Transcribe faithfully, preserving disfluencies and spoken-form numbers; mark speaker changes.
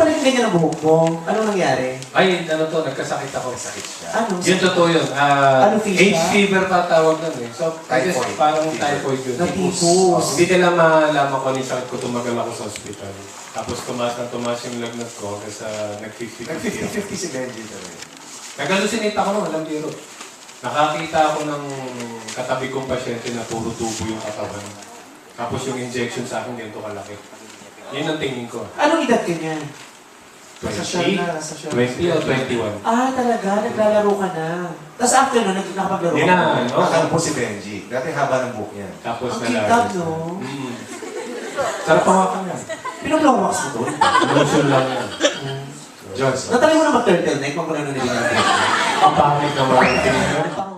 Speaker 1: naging ganyan ang buhok mo? Anong nangyari?
Speaker 2: Ay, ano to, nagkasakit ako.
Speaker 3: Sakit siya.
Speaker 1: Ano?
Speaker 2: Yun totoo yun. Ah,
Speaker 1: Ano, fish
Speaker 2: H
Speaker 1: ba?
Speaker 2: fever tatawag nun eh. So, I guess
Speaker 3: Typhoid.
Speaker 2: parang
Speaker 3: Fever.
Speaker 2: typhoid yun.
Speaker 1: Natifus.
Speaker 2: Hindi nila malaman ko ano yung sakit ko, tumagal ako sa ospital. Tapos tumaas na tumaas yung lagnat ko hanggang sa nag-fifty fifty
Speaker 3: Nag-fifty fifty si Benji talaga.
Speaker 2: Nag-hallucinate ako nung walang biro. Nakakita ako ng katabi kong pasyente na puro tubo yung katawan. Tapos yung injection sa akin, ganito kalaki. Yun ang tingin ko.
Speaker 1: Anong edad ka niya?
Speaker 3: Nasa siya
Speaker 2: twenty,
Speaker 3: na, nasa siya.
Speaker 2: twenty o twenty-one.
Speaker 1: Ah, talaga? Naglalaro ka na. Tapos after nun, nag- nakapaglaro
Speaker 2: Hindi
Speaker 1: ka
Speaker 2: na,
Speaker 1: na.
Speaker 2: ano?
Speaker 3: Nakakala po si Benji. Dati haba ng buhok niya.
Speaker 2: Tapos
Speaker 1: Ang
Speaker 2: nalagay.
Speaker 1: kitap, no?
Speaker 2: Mm. Sarap hawakan yan.
Speaker 1: Pinaglawax mo doon.
Speaker 2: Lotion lang yan.
Speaker 3: Johnson.
Speaker 1: Natali mo na mag-turtleneck, wag mo na nung nilingin.
Speaker 2: Ang pangit naman.